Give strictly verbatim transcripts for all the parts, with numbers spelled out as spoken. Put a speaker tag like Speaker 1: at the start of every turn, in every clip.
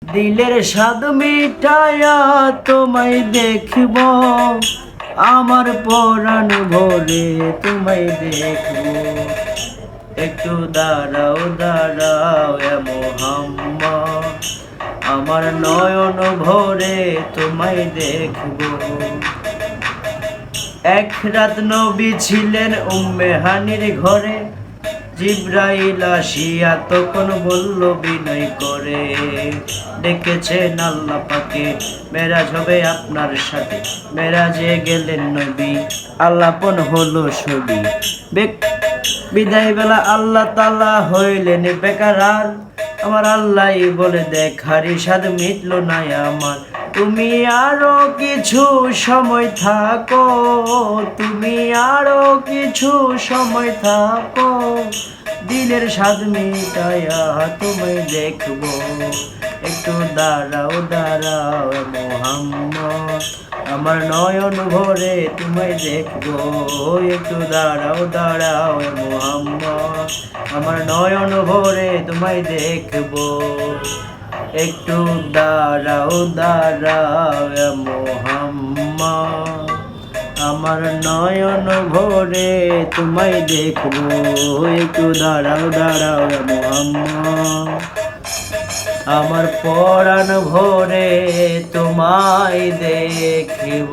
Speaker 1: দিলের স্বাদ মিটায়া তোমায় দেখব, আমার পরাণ ভরে তোমায় দেখব। একটু দাঁড়াও দাঁড়াও এ মোহাম্মদ, আমার নয়ন ভরে তোমায় দেখব। এক রাত নবী ছিলেন উম্মে হানির ঘরে, জিব্রাইল আসিয়া তখন বলল বিনয় করে, ডেকেছেন আল্লাহ পাকে, মেরাজ হবে আপনার সাথে। মেরাজে গেলেন নবী, আল্লাপন হলো ছবি। বিদায় বেলা আল্লাহ তাআলা হইলেন বেকারার, আমার আল্লাহ বলে দেখারি স্বাদ মিটল না আমার। তুমি আরো কিছু সময় থাকো, তুমি আরো কিছু সময় থাকো, দিলের স্বাদ মিটায়া তোমায় দেখবো। একটু দাঁড়াও দাঁড়াও মোহাম্মদ, আমার নয়ন ভরে তোমায় দেখবো। একটু দাঁড়াও দাঁড়াও মোহাম্মদ, আমার নয়ন ভরে তোমায় দেখবো। একটু দাঁড়াও দাঁড়াও মোহাম্মদ, আমার নয়ন ভরে তোমায় দেখবো। একটু দাঁড়াও দাঁড়াও মোহাম্মদ, আমার পরাণ ভরে তোমায় দেখব।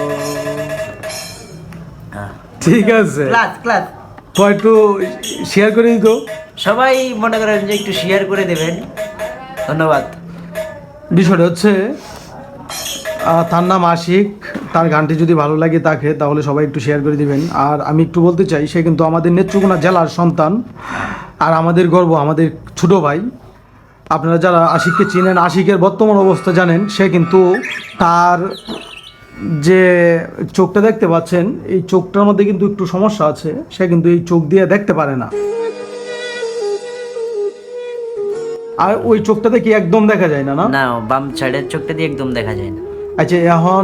Speaker 2: ঠিক আছে,
Speaker 1: ক্লাস ক্লাস
Speaker 2: একটু শেয়ার করে দিত
Speaker 1: সবাই, মনে করেন যে একটু শেয়ার করে দেবেন, ধন্যবাদ।
Speaker 2: বিষয়টা হচ্ছে তার নাম আশিক, তার গানটি যদি ভালো লাগে তাকে, তাহলে সবাই একটু শেয়ার করে দিবেন। আর আমি একটু বলতে চাই, সে কিন্তু আমাদের নেত্রকোনা জেলার সন্তান, আর আমাদের গর্ব, আমাদের ছোট ভাই। আপনারা যারা আশিককে চিনেন, আশিকের বর্তমান অবস্থা জানেন, সে কিন্তু তার যে চোখটা দেখতে পাচ্ছেন, এই চোখটার মধ্যে কিন্তু একটু সমস্যা আছে, সে কিন্তু এই চোখ দিয়ে দেখতে পারে না। আর ওই চোখটাতে কি একদম দেখা যায় না? না
Speaker 1: না, বাম সাইডের চোখটা দিয়ে একদম দেখা যায় না।
Speaker 2: আচ্ছা, এখন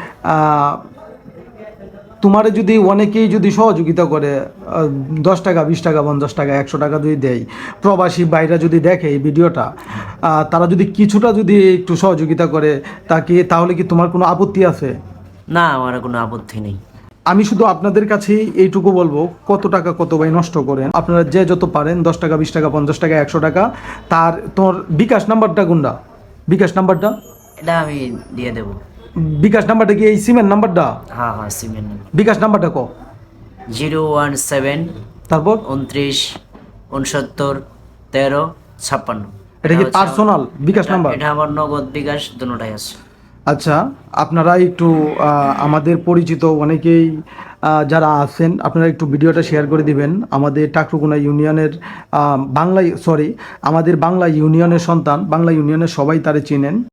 Speaker 2: তোমার যদি অনেকেই যদি সহযোগিতা করে, দশ টাকা, বিশ টাকা, পঞ্চাশ টাকা, একশো টাকা যদি দেয়, প্রবাসী ভাইরা যদি দেখে এই ভিডিওটা, তারা যদি কিছুটা যদি একটু সহযোগিতা করে তাকে, তাহলে কি তোমার কোনো আপত্তি আছে?
Speaker 1: না, আমার কোনো আপত্তি নেই।
Speaker 2: আমি শুধু আপনাদের কাছে এইটুকু বলবো, কত টাকা কত ভাই নষ্ট করেন আপনারা, যে যত পারেন, দশ টাকা, বিশ টাকা, পঞ্চাশ টাকা, একশো টাকা, তার তোমার বিকাশ নাম্বারটা কোনটা? বিকাশ নাম্বারটা
Speaker 1: এটা আমি দিয়ে দেব।
Speaker 2: বিকাশ নাম্বারটা কি এই সিমের নাম্বারটা?
Speaker 1: হ্যাঁ হ্যাঁ, সিমের নাম্বার।
Speaker 2: বিকাশ নাম্বারটা কো?
Speaker 1: জিরো ওয়ান সেভেন,
Speaker 2: তারপর
Speaker 1: উনত্রিশ, উনসত্তর, তেরো, ছাপ্পান্ন।
Speaker 2: এটা কি পার্সোনাল বিকাশ নাম্বার?
Speaker 1: এটা আমার নগদ বিকাশ দুটোটাই আছে।
Speaker 2: আচ্ছা, আপনারা একটু আমাদের পরিচিত অনেকেই যারা আছেন, আপনারা একটু ভিডিওটা শেয়ার করে দিবেন। আমাদের টাকরুকুনা ইউনিয়নের বাংলা সরি আমাদের বাংলা ইউনিয়নের সন্তান, বাংলা ইউনিয়নের সবাই তারে চিনেন।